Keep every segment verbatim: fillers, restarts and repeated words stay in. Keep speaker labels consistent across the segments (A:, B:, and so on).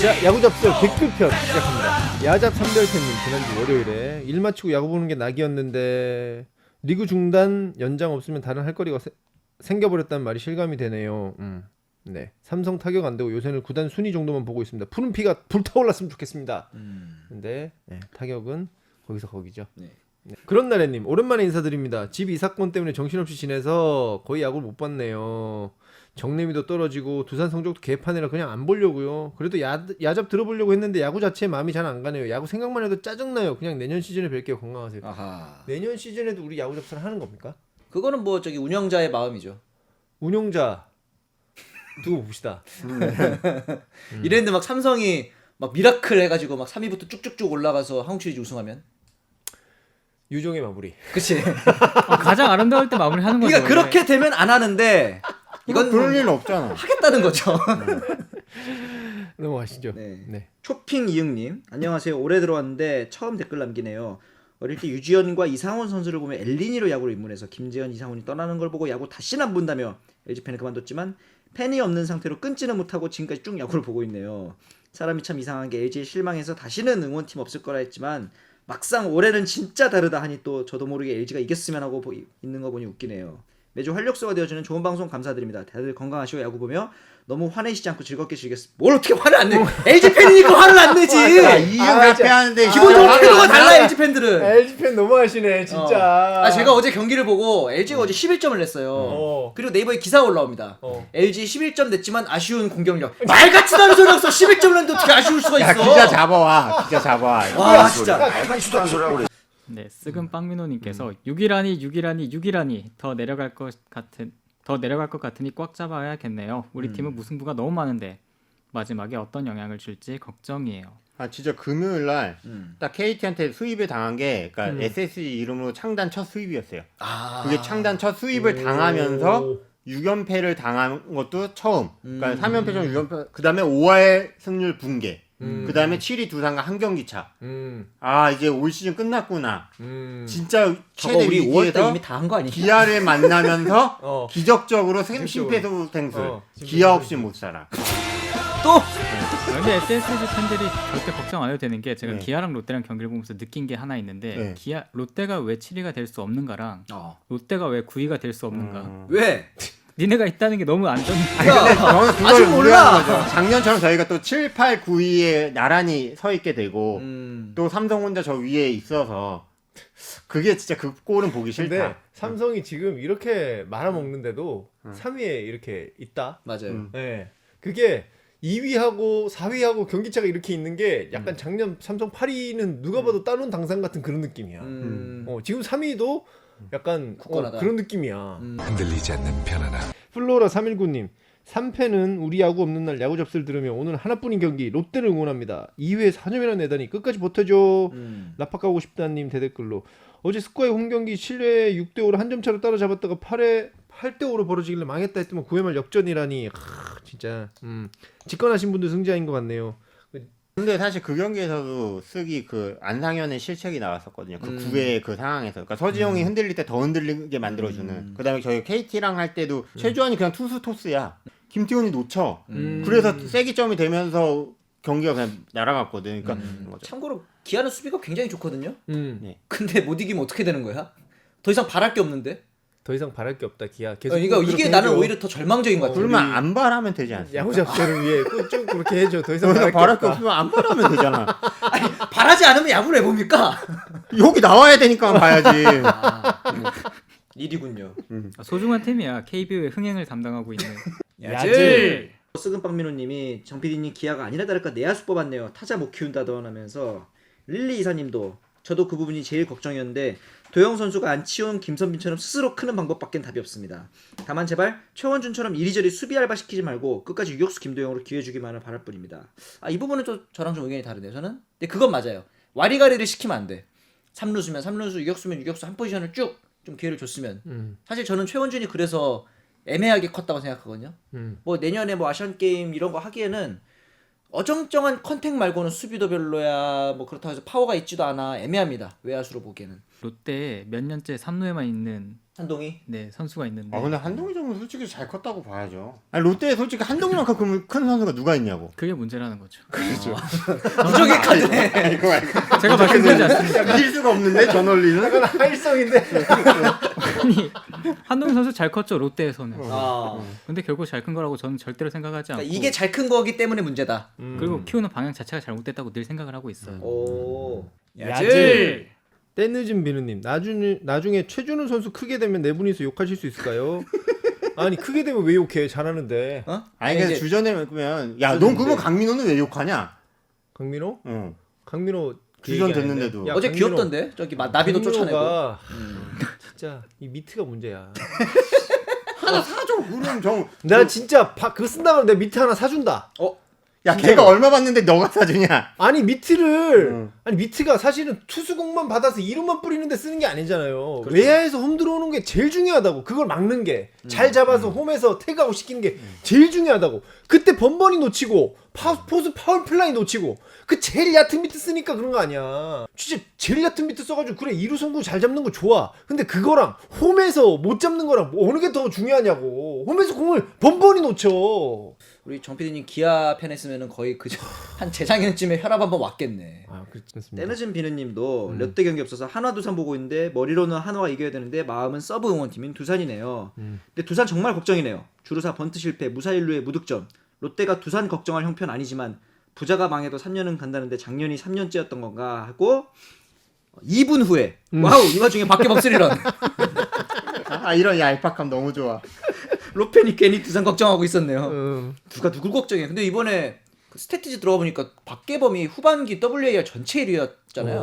A: 자, 야구 잡설 댓글편 시작합니다. 야잡 삼별팬님, 지난주 월요일에 일 마치고 야구 보는 게 낙이었는데 리그 중단 연장 없으면 다른 할 거리가 세, 생겨버렸다는 말이 실감이 되네요. 음. 네, 삼성 타격 안 되고 요새는 구단 순위 정도만 보고 있습니다. 푸른 피가 불타올랐으면 좋겠습니다. 음. 근데 네, 타격은 거기서 거기죠. 네. 네. 그런 날에님 오랜만에 인사드립니다. 집 이사건 때문에 정신없이 지내서 거의 야구를 못 봤네요. 정내미도 떨어지고 두산 성적도 개판이라 그냥 안 보려고요. 그래도 야, 야잡 들어보려고 했는데 야구 자체에 마음이 잘 안 가네요. 야구 생각만 해도 짜증나요. 그냥 내년 시즌에 뵐게요. 건강하세요. 아하. 내년 시즌에도 우리 야구 잡설 하는 겁니까?
B: 그거는 뭐 저기 운영자의 마음이죠.
A: 운영자 두고 봅시다. 음.
B: 이랬는데 막 삼성이 막 미라클 해가지고 막 삼 위부터 쭉쭉쭉 올라가서 한국 시리즈 우승하면
A: 유종의 마무리.
B: 그치.
C: 어, 가장 아름다울 때 마무리하는 거죠.
B: 그러니까 그렇게 되면 안 하는데 이건
D: 그럴 일은 없잖아.
B: 하겠다는 거죠.
A: 넘어가시죠.
B: 네.
A: 네.
B: 초핑 이응님 안녕하세요. 올해 들어왔는데 처음 댓글 남기네요. 어릴 때 유지현과 이상훈 선수를 보며 엘리니로 야구를 입문해서 김재현, 이상훈이 떠나는 걸 보고 야구 다시는 안 본다며 엘지 팬을 그만뒀지만 팬이 없는 상태로 끊지는 못하고 지금까지 쭉 야구를 보고 있네요. 사람이 참 이상한 게 엘지에 실망해서 다시는 응원팀 없을 거라 했지만 막상 올해는 진짜 다르다 하니 또 저도 모르게 엘지가 이겼으면 하고 보, 있는 거 보니 웃기네요. 매주 활력소가 되어주는 좋은 방송 감사드립니다. 다들 건강하시고 야구 보며 너무 화내시지 않고 즐겁게 즐겼습니다. 뭘 어떻게 화를 안 내? 엘지 팬이니까 화를 안 내지.
D: 이형 앞에 하는데
B: 기본적으로 태도가 달라 엘지 팬들은.
A: 엘지 팬 너무하시네 진짜.
B: 어. 아 제가 어제 경기를 보고 엘지가 어. 어제 십일 점을 냈어요. 어. 그리고 네이버에 기사 올라옵니다. 어. 엘지 십일 점 냈지만 아쉬운 공격력. 말 같지도 않은 소리 없어. 십일 점을 냈는데 어떻게 아쉬울 수가 있어?
D: 야 기자 잡아와. 기자 잡아와.
B: 와 진짜.
E: 말 같지도 않은 소리 하고 그래.
C: 네, 쓰금 빵민호님께서 음. 육이라니 육이라니 육이라니 더 내려갈 것 같은 더 내려갈 것 같으니 꽉 잡아야겠네요. 우리 음. 팀은 무승부가 너무 많은데 마지막에 어떤 영향을 줄지 걱정이에요.
D: 아 진짜 금요일 날 딱 음. 케이티한테 수입을 당한 게 그러니까 음. 에스에스지 이름으로 창단 첫 수입이었어요. 아. 그게 창단 첫 수입을 오. 당하면서 육 연패를 당한 것도 처음. 그러니까 음. 삼 연패 중 육 연패. 그다음에 오 할 승률 붕괴. 음. 그 다음에 칠 위 두산과 한 경기 차. 음. 아 이제 올 시즌 끝났구나. 음. 진짜 최대
B: 우리
D: 위기에서
B: 이미 다 한 거 아니야?
D: 기아를 만나면서
A: 어.
D: 기적적으로 심폐소생술. 어. 기아 없이 못 살아.
B: 또?
C: 근데 에스에스지 팬들이 절대 걱정 안 해도 되는 게 제가
D: 네.
C: 기아랑 롯데랑 경기를 보면서 느낀 게 하나 있는데
D: 네.
C: 기아 롯데가 왜 칠 위가 될 수 없는가랑 어. 롯데가 왜 구 위가 될 수 없는가.
D: 음.
B: 왜?
C: 니네가 있다는 게 너무 안전.
D: 아니 근데 저는 그걸 몰라. 거죠. 작년처럼 저희가 또 칠, 팔, 구 위에 나란히 서 있게 되고 음. 또 삼성 혼자 저 위에 있어서 그게 진짜 그 꼴은 보기 싫다.
A: 근데 삼성이 지금 이렇게 말아먹는데도 음. 삼 위에 이렇게 있다.
B: 맞아요.
A: 음. 네. 그게 이 위하고 사 위하고 경기차가 이렇게 있는 게 약간 음. 작년 삼성 팔 위는 누가 봐도 따놓은 당상 같은 그런 느낌이야. 음. 어, 지금 삼 위도 약간 어, 그런 느낌이야.
E: 음. 흔들리지 않는 편안함.
A: 플로라 삼일구님 삼 패는 우리 야구 없는 날 야구 잡설 들으며 오늘 하나뿐인 경기 롯데를 응원합니다. 이 회에 사 점이나 내다니 끝까지 버텨줘. 음. 라파 가고 싶다님 대댓글로 어제 스코어의 홈경기 칠 회에 육 대 오로 한 점 차로 따라잡았다가 팔 회 팔 대 오로 벌어지길래 망했다 했더니 구 회 말 역전이라니. 하, 진짜 음. 직관하신 분들 승자인 것 같네요.
D: 근데 사실 그 경기에서도 쓰기 그 안상현의 실책이 나왔었거든요. 그 음. 구 회 그 상황에서. 그러니까 서지용이 음. 흔들릴 때 더 흔들리게 만들어주는. 음. 그다음에 저희 케이티랑 할 때도 음. 최주환이 그냥 투수 토스야. 김태훈이 놓쳐. 음. 그래서 세기점이 되면서 경기가 그냥 날아갔거든. 그러니까
B: 음. 참고로 기아는 수비가 굉장히 좋거든요.
A: 음.
B: 네. 근데 못 이기면 어떻게 되는 거야? 더 이상 바랄 게 없는데.
A: 더 이상 바랄 게 없다 기아. 계속
B: 그러니까 이게 나는 해줘. 오히려 더 절망적인 것 같아.
D: 그러면 안 바라면 되지 않습니까?
A: 야구 잡설을 위해 쭉 그렇게 해줘. 더 이상
D: 바랄,
A: 바랄
D: 게 없으면 안 바라면 되잖아.
B: 아니 바라지 않으면 야구를 해봅니까?
D: 여기 나와야 되니까 봐야지.
B: 아, 일이군요.
C: 음. 소중한 팀이야. 케이비오의 흥행을 담당하고 있는
B: 야질. 쓰금빵민호님이 정피디님 기아가 아니라 다를까 내야수 뽑았네요. 타자 못 키운다던 하면서 릴리 이사님도 저도 그 부분이 제일 걱정이었는데 도영 선수가 안 치운 김선빈처럼 스스로 크는 방법밖엔 답이 없습니다. 다만 제발 최원준처럼 이리저리 수비 알바 시키지 말고 끝까지 유격수 김도영으로 기회 주기만을 바랄 뿐입니다. 아, 이 부분은 좀 저랑 좀 의견이 다르네요. 저는 근데 그건 맞아요. 와리가리를 시키면 안 돼. 삼루수면 삼루수, 유격수면 유격수 한 포지션을 쭉 좀 기회를 줬으면 음. 사실 저는 최원준이 그래서 애매하게 컸다고 생각하거든요. 음. 뭐 내년에 뭐 아시안 게임 이런 거 하기에는 어정쩡한 컨택 말고는 수비도 별로야. 뭐 그렇다고 해서 파워가 있지도 않아. 애매합니다. 외야수로 보기에는.
C: 롯데에 몇 년째 삼루에만 있는
B: 한동희.
C: 네 선수가 있는데
D: 아 근데 한동희 정도 솔직히 잘 컸다고 봐야죠. 아니 롯데에 솔직히 한동희만큼 큰 선수가 누가 있냐고.
C: 그게 문제라는 거죠.
D: 그렇죠.
B: 무적의 카드네.
D: 이거 말고
C: 제가 말씀드리지 않습니다.
D: 믿을 수가 없는데 저 논리는.
A: 이건 하일성인데.
C: 아니 한동희 선수 잘 컸죠 롯데에서는.
B: 아.
C: 근데 결국 잘 큰 거라고 저는 절대로 생각하지 않고.
B: 그러니까 이게 잘 큰 거기 때문에 문제다.
A: 음.
C: 그리고 키우는 방향 자체가 잘못됐다고 늘 생각을 하고 있어요.
B: 오.
A: 야질. 때늦은 비누님 나중에 나중에 최준우 선수 크게 되면 네 분이서 욕하실 수 있을까요? 아니 크게 되면 왜 욕해? 잘하는데.
B: 어?
D: 아니 근데
B: 이제
D: 주전에 그러면 야넌 그러면 강민호는 왜 욕하냐?
A: 강민호?
D: 응.
A: 강민호 그
D: 주전
A: 얘기 아닌데?
D: 됐는데도.
A: 야,
B: 어제
A: 강민호-
B: 귀엽던데. 저기 막 나비도 쫓아내고.
A: 강민호가
B: 음.
A: 진짜 이 미트가 문제야.
D: 하나 사줘 그럼 정.
A: 나 진짜 바, 그거 쓴다고 내 미트 하나 사준다.
B: 어?
D: 야
A: 진짜로.
D: 걔가 얼마 받는데 너가 사주냐?
A: 아니 미트를
D: 응.
A: 아니 미트가 사실은 투수공만 받아서 이름만 뿌리는데 쓰는 게 아니잖아요.
B: 그렇죠.
A: 외야에서 홈 들어오는 게 제일 중요하다고. 그걸 막는 게 잘 잡아서 홈에서 태그아웃 시키는 게 제일 중요하다고. 그때 번번이 놓치고 파, 포수 파울 플라이 놓치고 그 제일 얕은 미트 쓰니까 그런 거 아니야. 진짜 제일 얕은 미트 써가지고 그래 이루 송구 잘 잡는 거 좋아. 근데 그거랑 홈에서 못 잡는 거랑 뭐 어느 게 더 중요하냐고. 홈에서 공을 번번이 놓쳐.
B: 우리 정 피디님 기아 팬 했으면은 거의 그저 한 재작년쯤에 혈압 한번 왔겠네.
A: 아 그렇습니다.
B: 때늦은 비누님도 롯데 경기 없어서 한화 두산 보고 있는데 머리로는 한화가 이겨야 되는데 마음은 서브 응원팀인 두산이네요.
A: 음.
B: 근데 두산 정말 걱정이네요. 주루사 번트 실패, 무사일루의 무득점. 롯데가 두산 걱정할 형편 아니지만 부자가 망해도 삼 년은 간다는데 작년이 삼 년째였던 건가 하고 이 분 후에 와우 이 와중에 박계범 쓰리런.
D: 아 이런 얄팍함 너무 좋아.
B: 롯팬이 괜히 두산 걱정하고 있었네요.
A: 음.
B: 누가 누굴 걱정해. 근데 이번에 그 스태티즈 들어가 보니까 박계범이 후반기 더블유에이알 전체 일 위였잖아요.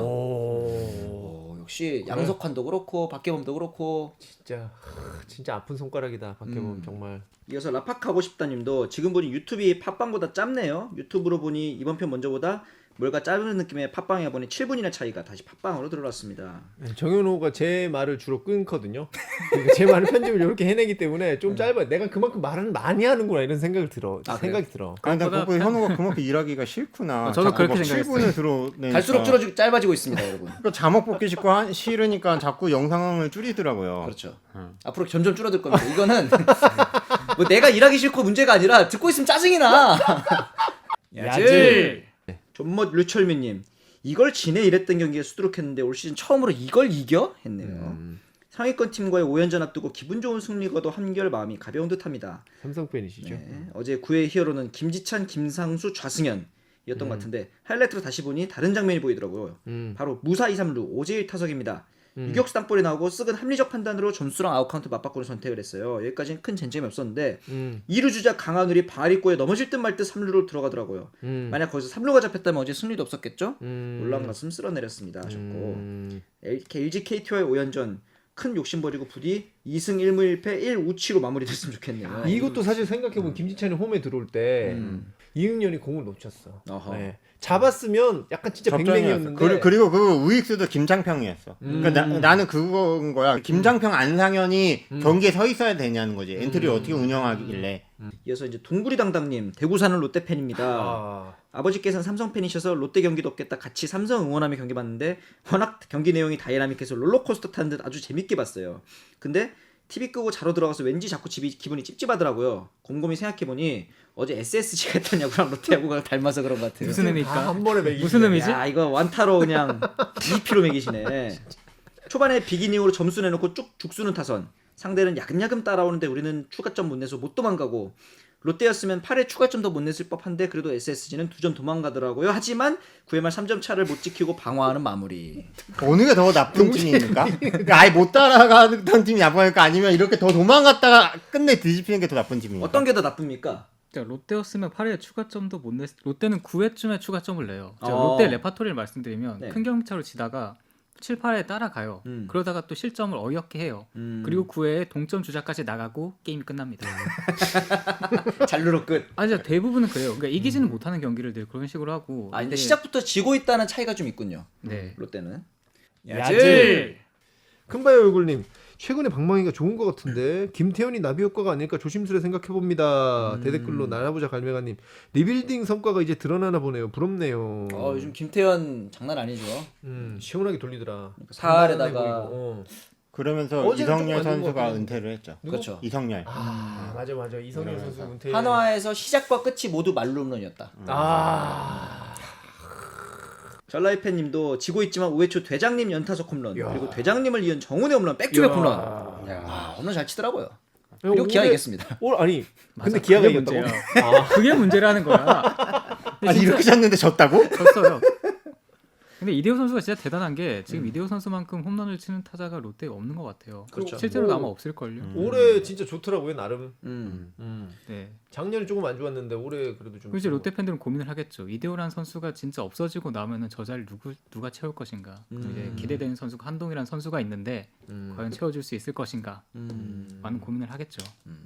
B: 오, 역시 양석환도 그렇고 박계범도 그렇고.
A: 진짜 진짜 아픈 손가락이다 박계범
B: 음.
A: 정말.
B: 이어서 라팍하고 싶다님도 지금 보니 유튜브이 팟빵보다 짧네요. 유튜브로 보니 이번 편 먼저 보다 뭘가 짧은 느낌의 팟빵에 보니 칠 분이나 차이가 다시 팟빵으로 들어왔습니다.
A: 정현호가 제 말을 주로 끊거든요. 그러니까 제 말을 편집을 이렇게 해내기 때문에 좀 짧아요. 내가 그만큼 말을 많이 하는구나 이런 생각을 들어.
B: 아,
A: 생각이 들어.
D: 아니 나
C: 그것보다
D: 그거
C: 편-
D: 현우가 그만큼 일하기가 싫구나.
C: 어, 저도
D: 자꾸
C: 그렇게
D: 막 칠 분을 들어내니까.
B: 갈수록 줄어지 짧아지고 있습니다, 여러분.
D: 그러니까 자막 뽑기 싫고 한- 싫으니까 자꾸 영상을 줄이더라고요.
B: 그렇죠.
D: 음.
B: 앞으로 점점 줄어들 겁니다. 이거는 뭐 내가 일하기 싫고 문제가 아니라 듣고 있으면 짜증이 나.
A: 야질.
B: 존멋 류철민님 이걸 지네 이랬던 경기에 수두룩했는데 올 시즌 처음으로 이걸 이겨? 했네요.
A: 음.
B: 상위권 팀과의 오 연전 앞두고 기분 좋은 승리가도 한결 마음이 가벼운 듯합니다.
A: 삼성 팬이시죠?
B: 네, 어제 구회 히어로는 김지찬, 김상수, 좌승현이었던 것 같은데 하이라이트로 다시 보니 다른 장면이 보이더라고요.
A: 음.
B: 바로 무사 이, 삼루 오제일 타석입니다.
A: 음.
B: 유격수 땅볼이 나오고 쓱은 합리적 판단으로 점수랑 아웃카운트 맞바꾸는 선택을 했어요. 여기까지는 큰 쟁점이 없었는데
A: 음.
B: 이 루 주자 강하늘이 발입구에 넘어질 듯 말 듯 삼 루로 들어가더라고요.
A: 음.
B: 만약 거기서 삼 루가 잡혔다면 어제 승리도 없었겠죠?
A: 음.
B: 올라온 가슴 쓸어내렸습니다 하셨고
A: 음.
B: 엘지 케이티와의 오 연전 큰 욕심 버리고 부디 이 승 일 무 일 패 일 우치로 마무리됐으면 좋겠네요.
A: 아, 이것도 사실 생각해보면 김지찬이 홈에 들어올 때
B: 음.
A: 이응년이 공을 놓쳤어.
B: 어허.
A: 네. 잡았으면 약간 진짜
D: 접전이었어.
A: 뱅뱅이었는데.
D: 그리- 그리고 그 우익수도 김장평이었어.
A: 음.
D: 그러니까 나, 나는 그건 거야. 김장평 안상현이
A: 음.
D: 경기에 서 있어야 되냐는 거지. 엔트리
A: 음.
D: 어떻게 운영하길래.
B: 이어서 이제 동구리당당님 대구 사는 롯데 팬입니다.
A: 아.
B: 아버지께서는 삼성 팬이셔서 롯데 경기도 없겠다 같이 삼성 응원하며 경기 봤는데 워낙 경기 내용이 다이나믹해서 롤러코스터 타는 듯 아주 재밌게 봤어요. 근데 티비 끄고 자러 들어가서 왠지 자꾸 집이 기분이 찝찝하더라고요. 곰곰이 생각해보니 어제 에스에스지가 했던 야구랑 롯데야구가 닮아서 그런 것 같아요.
C: 무슨 의미일까?
A: 다 한 번에 매기.
C: 무슨 의미지?
B: 야 이거 완타로 그냥 이 피로 매기시네. 초반에 비기닝으로 점수 내놓고 쭉 죽수는 타선. 상대는 야금야금 따라오는데 우리는 추가점 못 내서 못 도망가고 롯데였으면 팔 회 추가점 더 못 냈을 법한데 그래도 에스에스지는 두 점 도망가더라고요. 하지만 구 회 말 삼 점 차를 못 지키고 방어하는 마무리.
D: 어느 게 더 나쁜 팀입니까? 그러니까 아예 못 따라가던 팀이 나쁘니까 아니면 이렇게 더 도망갔다가 끝내 뒤집히는 게 더 나쁜 팀입니까?
B: 어떤 게 더 나쁩니까?
C: 그러니까 롯데였으면 팔 회 추가점도 못 냈. 롯데는 구 회쯤에 추가점을 내요. 제가
B: 어.
C: 롯데 레파토리를 말씀드리면
B: 네.
C: 큰 경기차로 지다가 칠, 팔 회 따라가요.
B: 음.
C: 그러다가 또 실점을 어이없게 해요.
B: 음.
C: 그리고 구 회에 동점 주자까지 나가고 게임이 끝납니다.
B: 잘루로 끝.
C: 아 진짜 대부분은 그래요. 그러니까 이기지는 못하는 경기를 늘 그런 식으로 하고.
B: 아 근데
C: 이게-
B: 시작부터 지고 있다는 차이가 좀 있군요.
C: 네.
B: 롯데는.
A: 야질. 큰바위 얼굴님. 최근에 방망이가 좋은 것 같은데 김태현이 나비 효과가 아닐까 조심스레 생각해 봅니다.
B: 음.
A: 대댓글로 나나보자 갈매가님 리빌딩 성과가 이제 드러나나 보네요. 부럽네요.
B: 어, 요즘 김태현 장난 아니죠.
A: 음, 시원하게 돌리더라.
B: 살에다가
A: 단단해 보이고, 어.
D: 그러면서
A: 어제는
D: 이성열
A: 좀 맞는 것
D: 선수가
A: 같긴
D: 은퇴를 했죠.
A: 누구?
B: 그렇죠.
D: 이성열.
A: 아 맞아 맞아 이성열
D: 그러면서.
A: 선수 은퇴.
B: 한화에서 시작과 끝이 모두 말룸런이었다.
A: 아
B: 전라이팬님도 지고 있지만 오 회 초 대장님 연타석 홈런
A: 야.
B: 그리고 대장님을 이은 정훈의 홈런 백투백
A: 야.
B: 홈런. 야, 홈런 잘 치더라고요. 그리고
A: 올해-
B: 기아 이겼습니다.
A: 올 아니
C: 맞아,
A: 근데 기아가
C: 그게
A: 이겼다고?
C: 문제야. 아, 그게 문제라는 거야. 근데
D: 아니
C: 진짜
D: 이렇게 쳤는데 졌다고?
C: 졌어요. 근데 이대호 선수가 진짜 대단한 게 지금
B: 음.
C: 이대호 선수만큼 홈런을 치는 타자가 롯데에 없는 것 같아요.
B: 그렇죠.
C: 실제로
A: 오.
C: 아마 없을걸요.
D: 음.
A: 올해 진짜 좋더라고요 나름.
B: 음.
A: 음.
C: 네.
A: 작년에 조금 안 좋았는데 올해 그래도 좀.
C: 그리고 이제 롯데 팬들은 고민을 하겠죠. 이대호라는 선수가 진짜 없어지고 나면은 저 자리 누구 누가 채울 것인가. 그리고
B: 음.
C: 이제 기대되는 선수가 한동이라는 선수가 있는데
A: 음.
C: 과연 채워줄 수 있을 것인가.
B: 음.
C: 많은 고민을 하겠죠.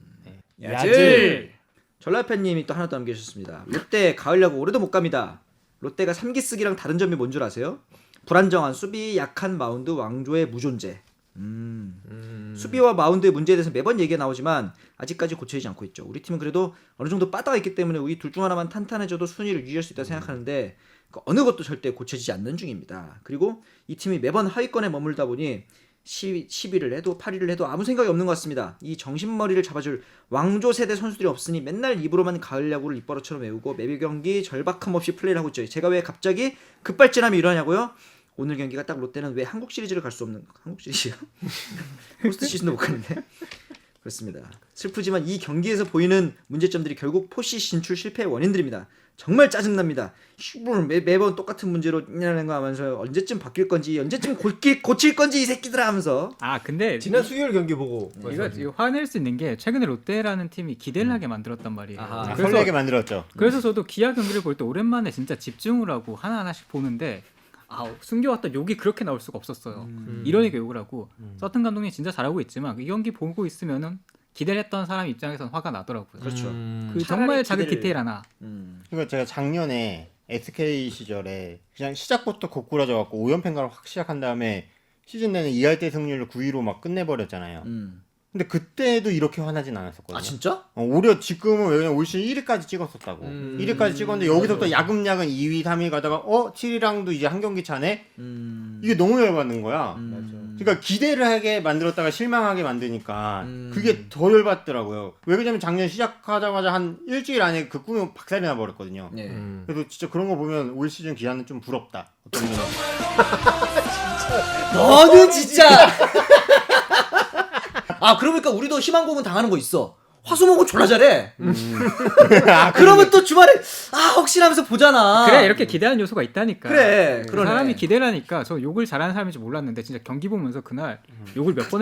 B: 야질. 전라팬님이 또 하나 더 남겨주셨습니다. 롯데 가을 야구 올해도 못 갑니다. 롯데가 삼기 쓰기랑 다른 점이 뭔 줄 아세요? 불안정한 수비, 약한 마운드, 왕조의 무존재. 음.
A: 음.
B: 수비와 마운드의 문제에 대해서 매번 얘기가 나오지만 아직까지 고쳐지지 않고 있죠. 우리 팀은 그래도 어느 정도 빠따가 있기 때문에 이 둘 중 하나만 탄탄해져도 순위를 유지할 수 있다고 생각하는데 그 어느 것도 절대 고쳐지지 않는 중입니다. 그리고 이 팀이 매번 하위권에 머물다 보니 십, 십 위를 해도 팔 위를 해도 아무 생각이 없는 것 같습니다. 이 정신머리를 잡아줄 왕조 세대 선수들이 없으니 맨날 입으로만 가을 야구를 입버릇처럼 외우고 매일 경기 절박함 없이 플레이를 하고 있죠. 제가 왜 갑자기 급발진함이 일어나냐고요? 오늘 경기가 딱 롯데는 왜 한국 시리즈를 갈 수 없는 한국 시리즈요? 포스트 시즌도 못 가는데 그렇습니다. 슬프지만 이 경기에서 보이는 문제점들이 결국 포시 진출 실패의 원인들입니다. 정말 짜증납니다. 씨발, 매, 매번 똑같은 문제로 있냐는 거 하면서 언제쯤 바뀔 건지 언제쯤 고칠, 고칠 건지 이 새끼들아 하면서
C: 아 근데
A: 지난 수요일 경기 보고.
C: 이거, 이거 화낼 수 있는 게 최근에 롯데라는 팀이 기대를 하게 만들었단 말이에요.
B: 아하.
D: 아,
C: 그래서
D: 설레게 만들었죠.
C: 그래서 저도 기아 경기를 볼 때 오랜만에 진짜 집중을 하고 하나 하나씩 보는데 아 숨겨왔던 욕이 그렇게 나올 수가 없었어요.
A: 음.
C: 이러니까 욕을 하고 서튼 감독님 진짜 잘하고 있지만 이 경기 보고 있으면은 기대를 했던 사람 입장에선 화가 나더라고요.
B: 그렇죠.
A: 음.
C: 그
B: 차라리
C: 정말 작은
B: 기대를-
C: 디테일 하나.
B: 음.
D: 그러니까 제가 작년에 에스케이 시절에 그냥 시작부터 고꾸라져 갖고 오 연패인가를 확 시작한 다음에 시즌 내내 이 할 때 승률을 구 위로 막 끝내버렸잖아요.
B: 음.
D: 근데 그때도 이렇게 화나진 않았었거든요.
B: 아 진짜?
D: 어, 오히려 지금은 왜 그냥 올 시즌 일 위까지 찍었었다고.
A: 음.
D: 일 위까지 찍었는데 여기서부터 야금야금 이 위, 삼 위 가다가 어? 칠 위랑도 이제 한 경기 차네?
B: 음.
D: 이게 너무 열받는 거야.
B: 음.
D: 그러니까 기대를 하게 만들었다가 실망하게 만드니까
B: 음.
D: 그게 더 열받더라고요. 왜 그러냐면 작년 시작하자마자 한 일주일 안에 그 꿈이 박살이 나버렸거든요.
B: 네.
A: 음.
D: 그래도 진짜 그런 거 보면 올 시즌 기아는 좀 부럽다. 어떤 면에서.
B: 너는 진짜. 아 그러니까 우리도 희망고문 당하는 거 있어. 화수목은 졸라 잘해. 아, 그러면 또 주말에 아 혹시나 하면서 보잖아.
C: 그래 이렇게 기대하는 요소가 있다니까.
B: 그래,
C: 그
B: 그러네.
C: 사람이 기대를 하니까 저 욕을 잘하는 사람인지 몰랐는데 진짜 경기 보면서 그날 욕을 몇 번.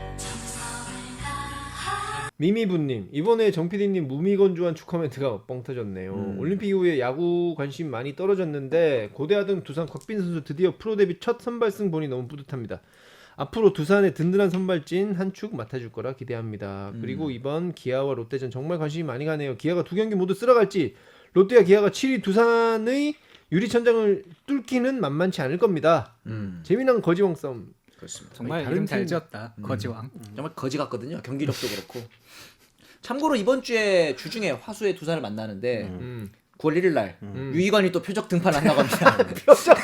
A: 미미부님 이번에 정피디님 무미건조한 축 코멘트가 뻥 터졌네요.
B: 음.
A: 올림픽 이후에 야구 관심 많이 떨어졌는데 고대하던 두산 곽빈 선수 드디어 프로 데뷔 첫 선발승 보니 너무 뿌듯합니다. 앞으로 두산의 든든한 선발진 한 축 맡아줄 거라 기대합니다.
B: 음.
A: 그리고 이번 기아와 롯데전 정말 관심이 많이 가네요. 기아가 두 경기 모두 쓸어갈지 롯데와 기아가 칠 위 두산의 유리천장을 뚫기는 만만치 않을 겁니다.
B: 음.
A: 재미난 거지왕 싸움.
B: 그렇습니다.
C: 정말
A: 다른
C: 이름 잘
A: 팀-
C: 지었다. 거지왕.
B: 정말 거지 같거든요. 경기력도 그렇고. 참고로 이번 주에 주중에 화수의 두산을 만나는데
D: 음.
A: 음.
B: 구월 일일 날
A: 음.
B: 유희관이 또 표적 등판을 한다고 합니다.
A: 뼈적.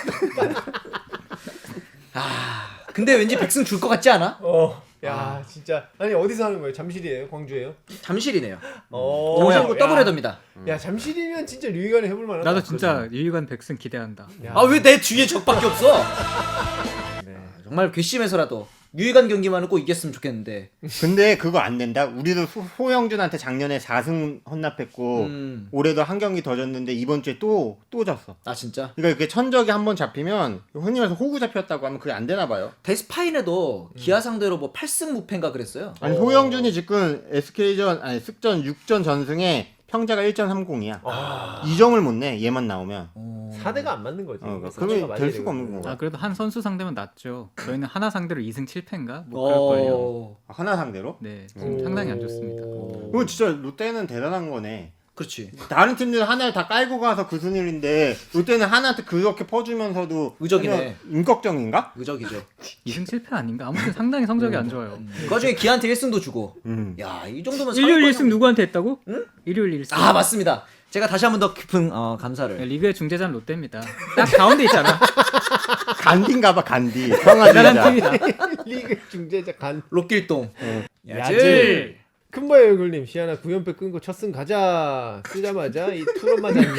B: 아 근데 왠지 백승 줄 것 같지 않아?
A: 어. 야 진짜 아니 어디서 하는 거예요? 잠실이에요? 광주예요?
B: 잠실이네요.
A: 어.
B: 잠실이고
A: 야.
B: 더블 헤더입니다.
A: 야 잠실이면 진짜 류희관이 해볼 만하다.
C: 나도 진짜 유희관 백승 기대한다.
A: 야.
B: 아 왜 내 뒤에 적밖에 없어?
A: 네.
B: 정말 괘씸해서라도 유희관 경기만은 꼭 이겼으면 좋겠는데.
D: 근데 그거 안 된다. 우리도 소, 소영준한테 작년에 사 승 헌납했고
B: 음.
D: 올해도 한 경기 더 졌는데 이번 주에 또 또 졌어.
B: 아 진짜.
D: 그러니까 이렇게 천적이 한 번 잡히면 흔히 말해서 호구 잡혔다고 하면 그게 안 되나 봐요.
B: 데스파인에도 기아 상대로 뭐 팔 승 무패인가 그랬어요.
D: 아니 소영준이 지금 에스케이전 아니 습전 육 전 전승에 평자가 일 점 삼공이야.
A: 아.
D: 이 점을 못 내. 얘만 나오면.
A: 사 대가 안 맞는 거지.
D: 어,
A: 그래서
D: 그러면
A: 사대가
D: 될
A: 맞아야
D: 수가 없는
A: 되거든.
D: 거야.
C: 아 그래도 한 선수 상대면 낫죠. 저희는 하나 상대로 이 승 칠 패인가 뭐 그럴 걸요.
B: 어.
D: 하나 상대로?
C: 네, 지금 상당히 안 좋습니다.
A: 오.
D: 그건 진짜 롯데는 대단한 거네.
B: 그렇지.
D: 다른 팀들은 하나를 다 깔고 가서 그 순위인데 롯데는 하나한테 그렇게 퍼주면서도
B: 의적이네.
D: 전혀 임꺽정인가?
B: 의적이죠.
C: 이 승 칠 패 아닌가? 아무튼 상당히 성적이 안 좋아요.
B: 그 와중에 기아한테 일 승도 주고.
D: 음.
B: 야, 이 정도면
C: 일요일 일 승
B: 상위권-
C: 누구한테 했다고?
B: 응?
C: 일요일 일 승.
B: 아, 맞습니다. 제가 다시 한 번 더 깊은 어, 감사를.
C: 네, 리그의 중재자는 롯데입니다. 딱 가운데 있잖아.
D: 간디인가봐 간디.
C: 대단한
D: 성화주의자.
C: 팀이다.
A: 리그 중재자 간
B: 롯길동.
A: 야질. 큰바의 얼굴님 시아나 구 연패 끊고 첫 승 가자 쓰자마자 이 투런 맞았네.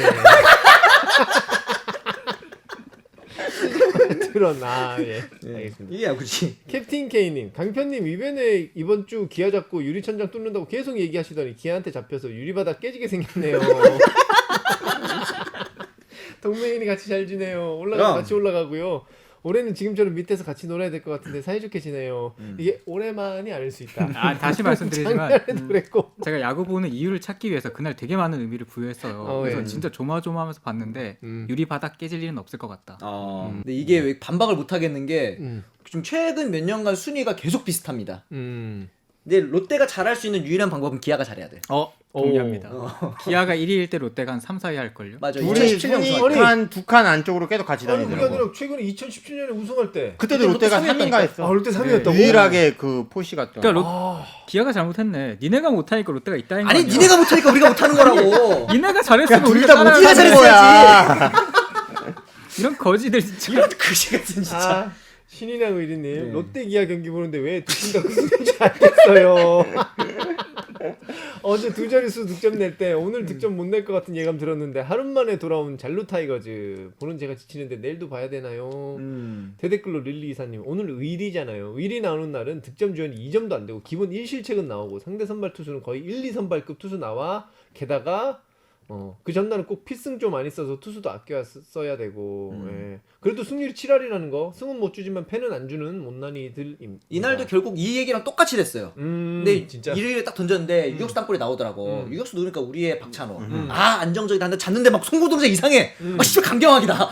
A: 투런 아 예. 알겠습니다.
B: 이게 야구지.
A: 캡틴 K님, 강편님 이번에 이번 주 기아 잡고 유리천장 뚫는다고 계속 얘기하시더니 기아한테 잡혀서 유리바닥 깨지게 생겼네요. 동맹이니 같이 잘 지내요. 올라가
B: 야.
A: 같이 올라가고요. 올해는 지금처럼 밑에서 같이 놀아야 될 것 같은데 사이좋게 지내요. 이게 올해만이 아닐 수 있다.
C: 아, 다시 말씀드리지만
A: 작년에도 그랬고.
C: 제가 야구 보는 이유를 찾기 위해서 그날 되게 많은 의미를 부여했어요.
A: 어,
C: 그래서
A: 예.
C: 진짜 조마조마하면서 봤는데
A: 음.
C: 유리 바닥 깨질 일은 없을 것 같다.
B: 어. 근데 이게 왜 반박을 못 하겠는 게
A: 음.
B: 지금 최근 몇 년간 순위가 계속 비슷합니다.
A: 음.
B: 근데 롯데가 잘할 수 있는 유일한 방법은 기아가 잘해야 돼.
C: 어, 동의합니다. 기아가 일 위일 때 롯데가 한 삼, 사 위 할걸요?
B: 맞아.
D: 둘이
B: 이천십칠 년
D: 순위
B: 우승할
D: 한 두 칸 안쪽으로 계속 같이
A: 아니 그게
D: 다니더라고.
A: 아니라 최근에 이천십칠 년에 우승할 때
D: 그때도
B: 그때
D: 롯데가
B: 롯데
D: 삼 위인가 했어.
A: 아, 롯데 삼 위였다고?
D: 유일하게 그 포시 갔죠.
C: 그러니까 롯,
A: 아,
C: 기아가 잘못했네. 니네가 못하니까 롯데가 있다는 거
B: 아니
C: 아니야?
B: 니네가 못하니까 우리가 못하는 거라고.
C: 니네가 잘했으면 우리가
D: 둘다
C: 따라가는
B: 니가
D: 못하는
B: 잘했어야지.
D: 거야.
C: 이런 거지들 진짜.
B: 이런 그지 같은 진짜.
A: 아 신인왕 의리님
B: 네.
A: 롯데 기아 경기 보는데 왜 두 팀 다 우승인지 알겠어요. 어제 두 자릿수 득점 낼 때 오늘 득점 못 낼 것 같은 예감 들었는데 하루 만에 돌아온 잘루 타이거즈 보는 제가 지치는데 내일도 봐야 되나요?
B: 음.
A: 대댓글로 릴리 이사님 오늘 의리잖아요. 의리 나오는 날은 득점 지원이 이 점도 안 되고 기본 일 실책은 나오고 상대 선발 투수는 거의 일, 이 선발급 투수 나와 게다가 어, 그 전날은 꼭 필승 좀 많이 써서 투수도 아껴 써야 되고
B: 음.
A: 예. 그래도 승률이 칠 할이라는 거 승은 못 주지만 패는 안 주는 못난이들입니다.
B: 이날도 결국 이 얘기랑 똑같이 됐어요.
A: 음,
B: 근데
A: 진짜
B: 일위를 딱 던졌는데 유격수 땅볼이 나오더라고.
A: 음.
B: 유격수 누르니까 우리의 박찬호.
A: 음.
B: 아 안정적이다. 근데 잤는데 막 송구동작 이상해.
A: 음.
B: 아 씨발 강경하기다.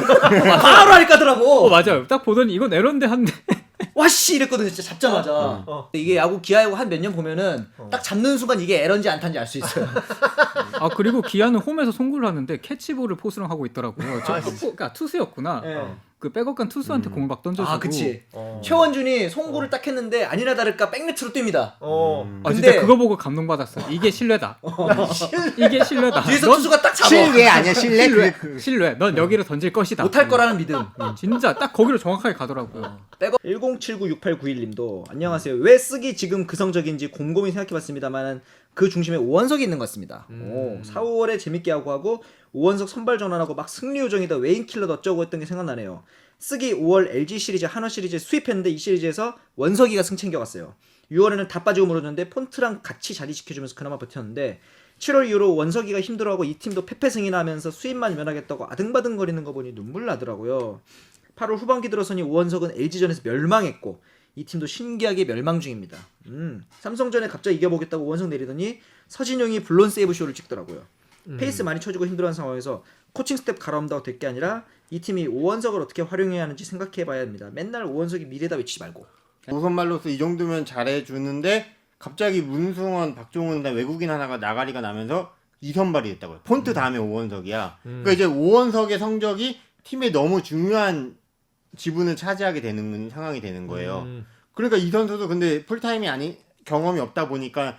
B: 바로 하니까
C: 어
B: 더라고.
C: 맞아요. 딱 보더니 이건 에러인데 한데.
B: 와씨 이랬거든 진짜 잡자마자.
A: 어.
B: 근데 이게 야구 기아야구 한 몇 년 보면은
A: 어.
B: 딱 잡는 순간 이게 에런지 안탄지 알 수 있어요.
C: 아 그리고 기아는 홈에서 송구를 하는데 캐치볼을 포수랑 하고 있더라고요. 저 그러니까 투수였구나.
B: 예.
C: 그 백업간 투수한테 공을 막 던져주고.
B: 아 그치.
A: 어.
B: 최원준이 송구를 딱 했는데 아니나 다를까 백네트로 뜁니다.
A: 어.
C: 아
B: 근데-
C: 진짜 그거 보고 감동받았어. 이게 신뢰다. 이게 신뢰다.
B: 뒤에서
C: 넌
B: 투수가 딱 잡아.
D: 실외 아니야 실내?
C: 신뢰.
D: 그, 그,
C: 신뢰. 넌 여기로 던질 것이다.
B: 못할 거라는 믿음.
C: 진짜 딱 거기로 정확하게 가더라고요.
B: 백업 일공칠구육팔구일님도 안녕하세요. 왜 쓰기 지금 그성적인지 곰곰이 생각해봤습니다만 그 중심에 오원석이 있는 것 같습니다. 오, 사, 오월에 재밌게 하고 하고 오원석 선발 전환하고 막 승리 요정이다 웨인 킬러다 어쩌고 했던 게 생각나네요. 쓰기 오월 엘지 시리즈 한화 시리즈 수입했는데 이 시리즈에서 원석이가 승 챙겨갔어요. 유월에는 다 빠지고 물었는데 폰트랑 같이 자리 지켜주면서 그나마 버텼는데 칠월 이후로 원석이가 힘들어하고 이 팀도 패패승이나 하면서 수입만 면하겠다고 아등바등거리는 거 보니 눈물 나더라고요. 팔월 후반기 들어서니 오원석은 엘지전에서 멸망했고 이 팀도 신기하게 멸망 중입니다. 음, 삼성전에 갑자기 이겨보겠다고 오원석 내리더니 서진용이 블론 세이브 쇼를 찍더라고요.
A: 음.
B: 페이스 많이 쳐주고 힘들어하는 상황에서 코칭 스텝 갈아엎는다고 될 게 아니라 이 팀이 오원석을 어떻게 활용해야 하는지 생각해봐야 합니다. 맨날 오원석이 미래다 외치지 말고.
D: 우선말로서 이 정도면 잘해주는데 갑자기 문승원, 박종훈 등 외국인 하나가 나가리가 나면서 이 선발이 됐다고요. 폰트 다음에 오원석이야.
A: 음.
D: 그러니까 이제 오원석의 성적이 팀에 너무 중요한 지분을 차지하게 되는 상황이 되는 거예요.
A: 음.
D: 그러니까 이 선수도 근데 풀타임이 아니 경험이 없다 보니까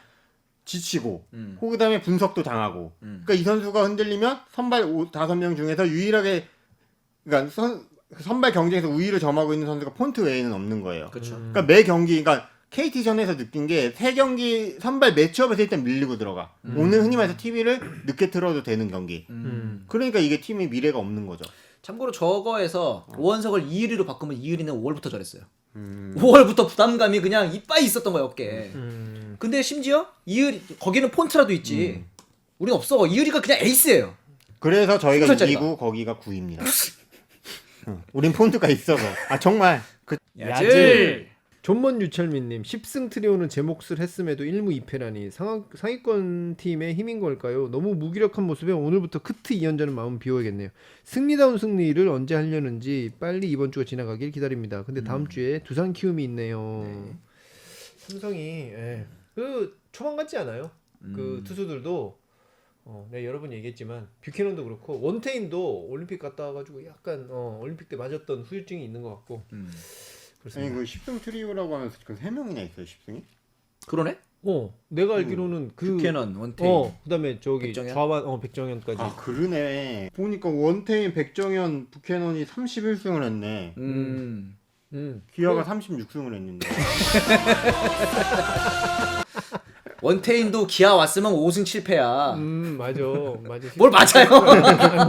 D: 지치고
B: 음.
D: 그 그다음에 분석도 당하고
B: 음.
D: 그러니까 이 선수가 흔들리면 선발 다섯 명 중에서 유일하게 그러니까 선, 선발 경쟁에서 우위를 점하고 있는 선수가 폰트 외에는 없는 거예요.
B: 그렇죠.
A: 음.
D: 그러니까 매 경기 그러니까 케이티전에서 느낀 게 세 경기 선발 매치업에서 일단 밀리고 들어가.
B: 음.
D: 오늘 흔히 말해서 티비를 늦게 틀어도 되는 경기.
B: 음.
D: 그러니까 이게 팀이 미래가 없는 거죠.
B: 참고로 저거에서 오원석을 이의리로 바꾸면 이의리는 오월부터 저랬어요.
D: 음.
B: 오월부터 부담감이 그냥 이빠이 있었던 거야 어깨에.
A: 음.
B: 근데 심지어 이의리 거기는 폰트라도 있지. 우린 없어. 이의리가 그냥 에이스예요.
D: 그래서 저희가
B: 스무 살짜리가.
D: 이기고 거기가 구입니다. 응. 우린 폰트가 있어서. 아 정말 그
A: 야질. 존먼 유철민님 십 승 트리오는 제 몫을 했음에도 일 무 이 패라니 상하, 상위권 팀의 힘인 걸까요? 너무 무기력한 모습에 오늘부터 크트 이 연전은 마음 비워야겠네요. 승리다운 승리를 언제 하려는지 빨리 이번 주가 지나가길 기다립니다. 근데 다음
B: 음.
A: 주에 두산 키움이 있네요.
B: 네.
A: 삼성이 예. 그 초반 같지 않아요? 그
B: 음.
A: 투수들도 어, 내가 여러 번 얘기했지만 뷰캐넌도 그렇고 원태인도 올림픽 갔다 와가지고 약간 어, 올림픽 때 맞았던 후유증이 있는 것 같고
B: 음.
D: 아니
A: 그렇습니다.
D: 그 십 승 트리오라고 하면서 지금 세 명이나 있어요 십 승이?
B: 그러네.
A: 어, 내가 알기로는 그
B: 뷰캐넌, 원태인.
A: 어, 그다음에 저기
B: 백정현?
A: 좌완 어 백정현까지.
D: 아 그러네. 보니까 원태인, 백정현, 부캐넌이 삼십일 승을 했네.
B: 음.
A: 음.
D: 기아가 삼십육 승을 했는데.
B: 원태인도 기아 왔으면 오 승 칠 패야.
A: 음, 맞아. 맞아.
B: 뭘 맞아요?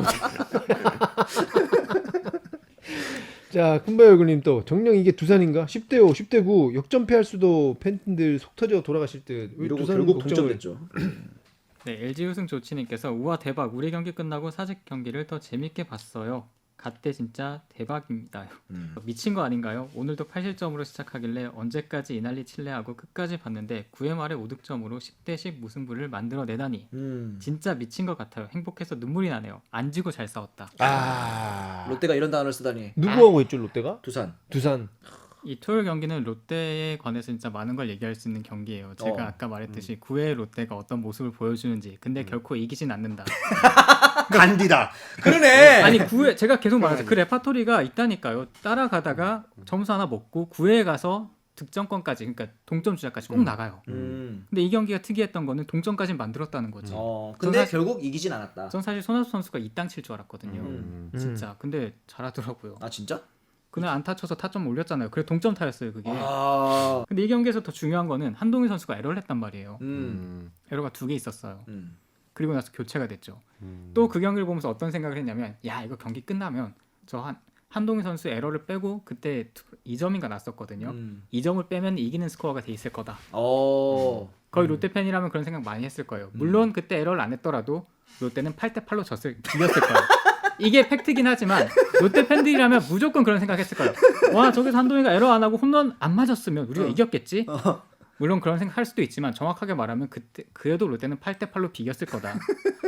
A: 자, 큰바이 얼굴님 또 정령 이게 두산인가? 십 대 오, 십 대 구 역전패할 수도 팬들 속 터져 돌아가실 듯. 왜
B: 이러고
A: 두산
B: 결국
A: 걱정을-
B: 동점됐죠.
C: 네, 엘지 우승 조치님께서 우와 대박 우리 경기 끝나고 사직 경기를 더 재밌게 봤어요. 갓대 진짜 대박입니다.
B: 음.
C: 미친 거 아닌가요? 오늘도 팔 실점으로 시작하길래 언제까지 이 난리 칠래 하고 끝까지 봤는데 구 회 말에 오 득점으로 십 대십 무승부를 만들어내다니
B: 음.
C: 진짜 미친 것 같아요. 행복해서 눈물이 나네요. 안 지고 잘 싸웠다.
A: 아.
B: 롯데가 이런 단어를 쓰다니.
A: 누구하고 했죠, 롯데가?
B: 두산.
A: 두산.
C: 이 토요일 경기는 롯데에 관해서 진짜 많은 걸 얘기할 수 있는 경기예요. 제가
B: 어.
C: 아까 말했듯이 구 회 롯데가 어떤 모습을 보여주는지 근데 결코 이기진 않는다.
D: 간디다.
B: 그러네.
C: 아니 구 회 제가 계속 말하죠. 그 레파토리가 있다니까요. 따라가다가 점수 하나 먹고 구 회에 가서 득점권까지 그러니까 동점 주자까지 꼭 나가요.
B: 음.
C: 근데 이 경기가 특이했던 거는 동점까지 만들었다는 거지.
B: 어. 근데
C: 사실-
B: 결국 이기진 않았다.
C: 전 사실 손아섭 선수가 이 땅 칠 줄 알았거든요.
B: 음.
C: 진짜. 근데 잘하더라고요.
B: 아 진짜?
C: 그날 안타 쳐서 타점 올렸잖아요. 그래 동점 타였어요 그게.
B: 아.
C: 근데 이 경기에서 더 중요한 거는 한동희 선수가 에러를 했단 말이에요.
B: 음.
D: 음.
C: 에러가 두 개 있었어요.
B: 음.
C: 그리고 나서 교체가 됐죠.
D: 음.
C: 또 그 경기를 보면서 어떤 생각을 했냐면 야 이거 경기 끝나면 저 한 한동희 선수 에러를 빼고 그때 이 점인가 났었거든요.
B: 음.
C: 이 점을 빼면 이기는 스코어가 돼 있을 거다.
B: 어.
C: 거의 롯데 팬이라면 그런 생각 많이 했을 거예요. 물론 그때 에러를 안 했더라도 롯데는 팔 대 팔로 졌을 비겼을 거예요. 이게 팩트긴 하지만 롯데 팬들이라면 무조건 그런 생각했을 거예요. 와 저기서 한동희가 에러 안 하고 홈런 안 맞았으면 우리가
B: 어.
C: 이겼겠지.
B: 어.
C: 물론 그런 생각 할 수도 있지만 정확하게 말하면 그때 그래도 롯데는 팔 대 팔로 비겼을 거다.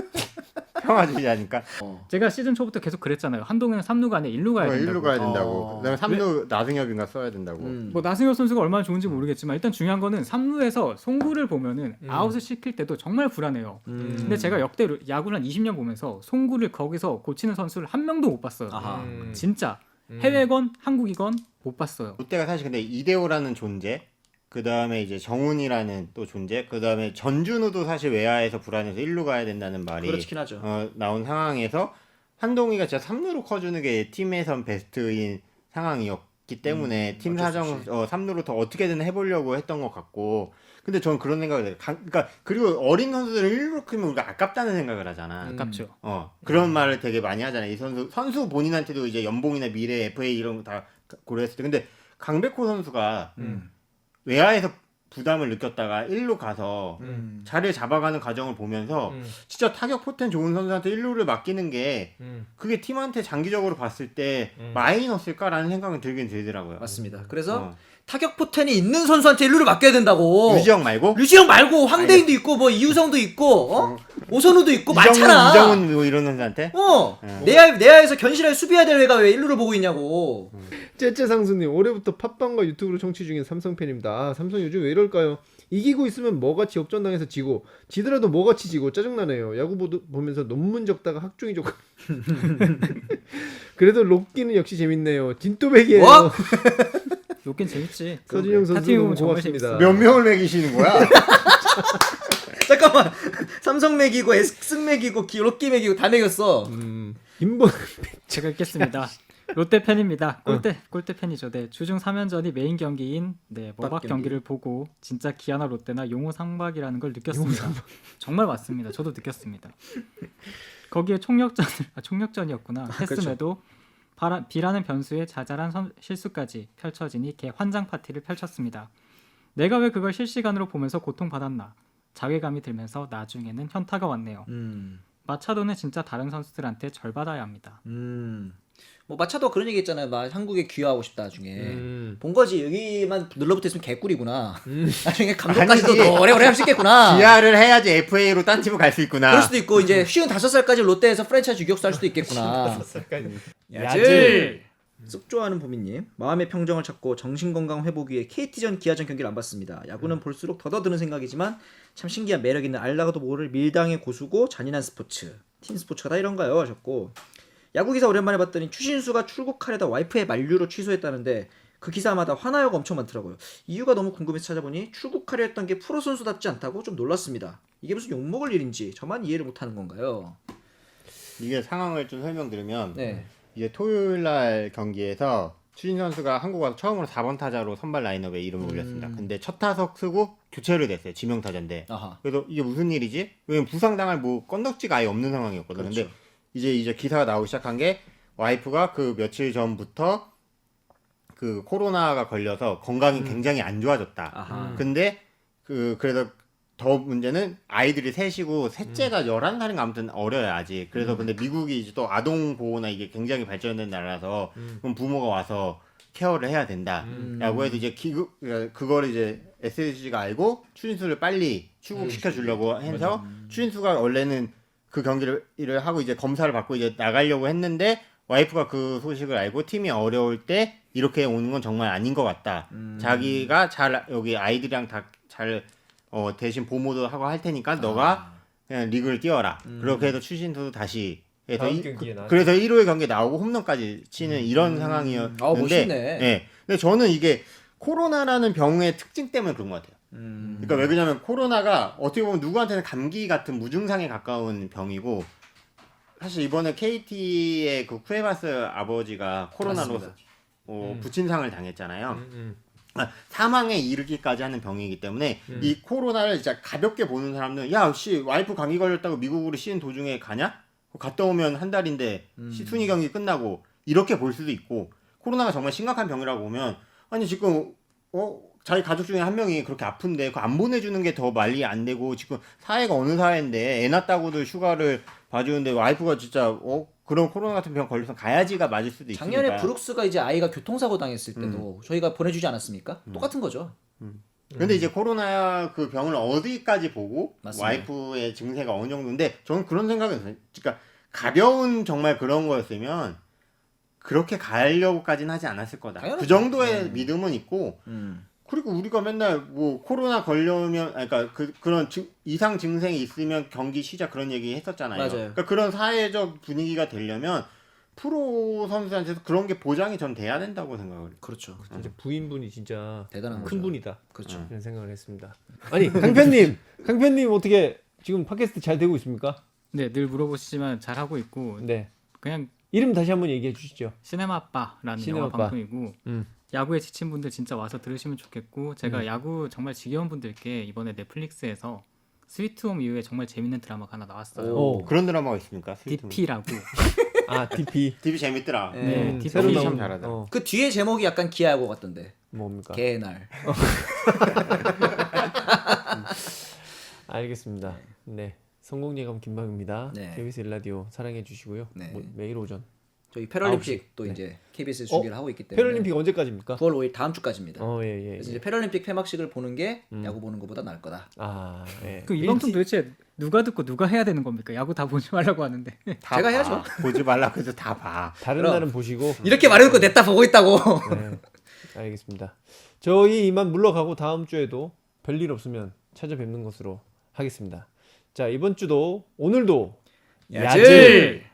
D: 평화주의자니까.
B: 어.
C: 제가 시즌 초부터 계속 그랬잖아요. 한동희는 삼 루가 아니라 일 루 가야
D: 어,
C: 된다고.
D: 일루 가야 된다고.
B: 어.
D: 그다음에 삼 루 나승엽인가 써야 된다고.
B: 음.
C: 뭐 나승엽 선수가 얼마나 좋은지 모르겠지만 일단 중요한 거는 삼 루에서 송구를 보면은
A: 음.
C: 아웃을 시킬 때도 정말 불안해요.
B: 음.
C: 근데 제가 역대 야구를 한 이십 년 보면서 송구를 거기서 고치는 선수를 한 명도 못 봤어요.
B: 아하.
A: 음.
C: 진짜
A: 음.
C: 해외건 한국이건 못 봤어요.
D: 롯데가 사실 근데 이대호라는 존재, 그 다음에 이제 정훈이라는 또 존재, 그 다음에 전준우도 사실 외야에서 불안해서 일루 가야 된다는 말이
B: 그렇긴 하죠.
D: 어, 나온 상황에서 한동희가 진짜 삼 루로 커주는 게 팀에선 베스트인 상황이었기 때문에
B: 음,
D: 팀
B: 어쩔 수
D: 사정
B: 없이.
D: 어, 삼 루로 더 어떻게든 해보려고 했던 것 같고, 근데 저는 그런 생각을 해요. 가, 그러니까 그리고 어린 선수들은 일 루로 크면 우리가 아깝다는 생각을 하잖아.
B: 음.
C: 아깝죠.
D: 어 그런 말을 되게 많이 하잖아요. 이 선수 선수 본인한테도 이제 연봉이나 미래 에프에이 이런 거 다 고려했을 때, 근데 강백호 선수가
B: 음.
D: 외야에서 부담을 느꼈다가 일루 가서
B: 음.
D: 자리를 잡아가는 과정을 보면서
A: 음.
D: 진짜 타격 포텐 좋은 선수한테 일루를 맡기는 게
A: 음.
D: 그게 팀한테 장기적으로 봤을 때
A: 음.
D: 마이너스일까라는 생각은 들긴 들더라고요.
B: 맞습니다. 그래서
D: 어.
B: 타격 포텐이 있는 선수한테 일루를 맡겨야 된다고.
D: 유지영 말고
B: 류지영 말고 황대인도 있고 뭐 이우성도 있고 어? 오선우도 있고
D: 이정훈,
B: 많잖아.
D: 이정훈 뭐 이런 선수한테
B: 어.
D: 네.
B: 내야 내야에서 견실하게 수비해야 될 애가 왜 일루를 보고 있냐고.
A: 째째상수님 올해부터 팟빵과 유튜브로 청취 중인 삼성 팬입니다. 아, 삼성 요즘 왜 이럴까요? 이기고 있으면 뭐같이 역전당해서 지고 지더라도 뭐같이 지고 짜증나네요. 야구 보도, 보면서 논문 적다가 학종이 좋고 그래도 록기는 역시 재밌네요. 진또배기예요.
B: 뭐?
C: 욕긴 재밌지.
A: 서진영 선수
C: 타팀
A: 너무
C: 보면 정말
A: 고맙습니다.
C: 재밌어.
D: 몇 명을 매기시는 거야?
B: 잠깐만. 삼성 매기고 에스승 매기고 기록기 매기고 다 매겼어.
A: 음, 김본
C: 제가 읽겠습니다. 롯데 팬입니다. 골대 골대 팬이죠. 네. 주중 삼 연전이 메인 경기인 네, 머박
B: 경기.
C: 경기를 보고 진짜 기아나 롯데나 용호 상박이라는 걸 느꼈습니다. 정말 맞습니다. 저도 느꼈습니다. 거기에 총력전을 아, 총력전이었구나 했음에도 바라, 비라는 변수에 자잘한 선, 실수까지 펼쳐지니 개 환장 파티를 펼쳤습니다. 내가 왜 그걸 실시간으로 보면서 고통받았나 자괴감이 들면서 나중에는 현타가 왔네요.
B: 음.
C: 마차도는 진짜 다른 선수들한테 절 받아야 합니다.
B: 음. 뭐 마차도 그런 얘기 했잖아요. 막 한국에 귀화하고 싶다 나중에.
A: 음.
B: 본 거지. 여기만 눌러붙어 있으면 개꿀이구나. 나중에 감독까지도
D: 아니지.
B: 오래오래 할 수 있겠구나.
D: 기아를 해야지 에프에이로 딴 팀을 갈 수 있구나.
B: 그럴 수도 있고 이제 쉰다섯 살까지 롯데에서 프랜차이즈 유격수 할 수도 있겠구나.
A: 살까지.
B: 야질. 쓱 좋아하는 보미님, 마음의 평정을 찾고 정신건강 회복 위해 케이티전 기아전 경기를 안 봤습니다. 야구는 볼수록 더더드는 생각이지만 참 신기한 매력 있는 알라가도 모를 밀당의 고수고 잔인한 스포츠. 팀 스포츠가 다 이런가요? 하셨고, 야구 기사 오랜만에 봤더니 추신수가 출국하려다 와이프의 만류로 취소했다는데 그 기사마다 화나요가 엄청 많더라고요. 이유가 너무 궁금해서 찾아보니 출국하려 했던 게 프로 선수답지 않다고 좀 놀랐습니다. 이게 무슨 욕먹을 일인지 저만 이해를 못하는 건가요?
D: 이게 상황을 좀 설명드리면
B: 네.
D: 이제 토요일 날 경기에서 추신 선수가 한국 와서 처음으로 사 번 타자로 선발 라인업에 이름을
B: 음.
D: 올렸습니다. 근데 첫 타석 쓰고 교체를 됐어요. 지명 타자인데.
B: 아하.
D: 그래서 이게 무슨 일이지? 왜냐면 부상당할 뭐 건덕지가 아예 없는 상황이었거든.
B: 그렇죠.
D: 근데 이제 이제 기사가 나오기 시작한 게 와이프가 그 며칠 전부터 그 코로나가 걸려서 건강이 굉장히 안 좋아졌다.
B: 아하.
D: 근데 그 그래서 더 문제는 아이들이 셋이고 셋째가 열한 살인가 아무튼 어려요 아직. 그래서 근데 미국이 이제 또 아동 보호나 이게 굉장히 발전된 나라라서 그럼 부모가 와서 케어를 해야 된다라고 해서 이제 기그 그거를 이제 에스에스지가 알고 추신수를 빨리 출국시켜 주려고 해서 추신수가 원래는 그 경기를 일을 하고 이제 검사를 받고 이제 나가려고 했는데 와이프가 그 소식을 알고 팀이 어려울 때 이렇게 오는 건 정말 아닌 것 같다.
B: 음.
D: 자기가 잘 여기 아이들이랑 다 잘 어, 대신 보모도 하고 할 테니까 너가 그냥 리그를 뛰어라.
B: 음.
D: 그렇게 해서 추신수도 다시 해서
A: 다음
D: 이-
A: 경기에
D: 그,
A: 나왔죠.
D: 그래서 일요일 경기에 나오고 홈런까지 치는 이런 상황이었는데
B: 아, 멋있네.
D: 예. 근데 저는 이게 코로나라는 병의 특징 때문에 그런 것 같아요.
B: 음.
D: 그러니까 왜 그러냐면 코로나가 어떻게 보면 누구한테는 감기 같은 무증상에 가까운 병이고 사실 이번에 케이티의 그 쿠에바스 아버지가 코로나로
B: 맞습니다.
D: 어,
A: 음.
D: 부친상을 당했잖아요.
A: 음, 음.
D: 아, 사망에 이르기까지 하는 병이기 때문에
A: 음.
D: 이 코로나를 진짜 가볍게 보는 사람들은 야, 씨 와이프 감기 걸렸다고 미국으로 쉬는 도중에 가냐? 갔다 오면 한 달인데
B: 음.
D: 시순위 경기 끝나고 이렇게 볼 수도 있고 코로나가 정말 심각한 병이라고 보면 아니 지금 어 자기 가족 중에 한 명이 그렇게 아픈데 그 안 보내주는 게 더 말이 안 되고 지금 사회가 어느 사회인데 애 낳았다고도 휴가를 봐주는데 와이프가 진짜 어 그런 코로나 같은 병 걸려서 가야지가 맞을 수도 있으니까
F: 작년에 브룩스가 이제 아이가 교통사고 당했을 때도 저희가 보내주지 않았습니까?
D: 음.
F: 똑같은 거죠.
D: 근데 이제 코로나 그 병을 어디까지 보고
F: 맞습니다.
D: 와이프의 증세가 어느 정도인데 저는 그런 생각은 들어요. 그러니까 가벼운 정말 그런 거였으면 그렇게 가려고까지는 하지 않았을 거다.
F: 당연하죠.
D: 그 정도의 믿음은 있고
B: 음.
D: 그리고 우리가 맨날 뭐 코로나 걸려면 아니, 그러니까 그 그런 증, 이상 증상이 있으면 경기 시작 그런 얘기 했었잖아요.
B: 맞아요.
D: 그러니까 그런 사회적 분위기가 되려면 프로 선수한테서 그런 게 보장이 전 돼야 된다고 생각을 해요.
B: 그렇죠.
A: 진짜 부인분이 진짜
F: 대단한
A: 큰
F: 거죠.
A: 분이다.
B: 그렇죠.
A: 이런 생각을 했습니다. 아니 강편님, 강편님 어떻게 지금 팟캐스트 잘 되고 있습니까?
C: 네, 늘 물어보시지만 잘 하고 있고
A: 네.
C: 그냥
A: 이름 다시 한번 얘기해 주시죠.
C: 시네마빠라는 영화
A: 시네마빠.
C: 방송이고
A: 음.
C: 야구에 지친 분들 진짜 와서 들으시면 좋겠고 제가
A: 음.
C: 야구 정말 지겨운 분들께 이번에 넷플릭스에서 스위트홈 이후에 정말 재밌는 드라마가 하나 나왔어요.
A: 오.
D: 그런 드라마가 있습니까? 스위트홈.
C: 디피라고.
A: 아 디피.
D: 디비 재밌더라.
B: 네.
C: 네,
A: 음,
C: 디피
A: 새로
C: 참
A: 나온
D: 잘하더라.
A: 어,
F: 그 뒤에 제목이 약간 기아야구 같던데.
A: 뭡니까?
F: 개의 날.
A: 알겠습니다. 네. 성공 예감 김방입니다.
F: 네.
A: 케이비에스 일 라디오 사랑해 주시고요.
F: 네.
A: 뭐, 매일 오전.
F: 저희
A: 아홉 시.
F: 패럴림픽 또
A: 네.
F: 이제 케이비에스 중계를 하고 있기 때문에
A: 패럴림픽 언제까지입니까?
F: 구월 오일 다음 주까지입니다.
A: 어, 예, 예.
F: 그래서
A: 예.
F: 이제 패럴림픽 폐막식을 보는 게
A: 음.
F: 야구 보는 것보다 나을 거다.
A: 아, 예.
C: 그 이 방송 도대체 누가 듣고 누가 해야 되는 겁니까? 야구 다 보지 말라고 하는데.
D: 다
F: 제가
D: 봐.
F: 해야죠.
D: 보지 말라 그래서 다 봐.
A: 다른
F: 그럼.
A: 날은 보시고.
F: 이렇게 말해놓고 냈다 보고 있다고.
A: 네. 알겠습니다. 저희 이만 물러가고 다음 주에도 별일 없으면 찾아뵙는 것으로 하겠습니다. 자, 이번 주도 오늘도
F: 야질!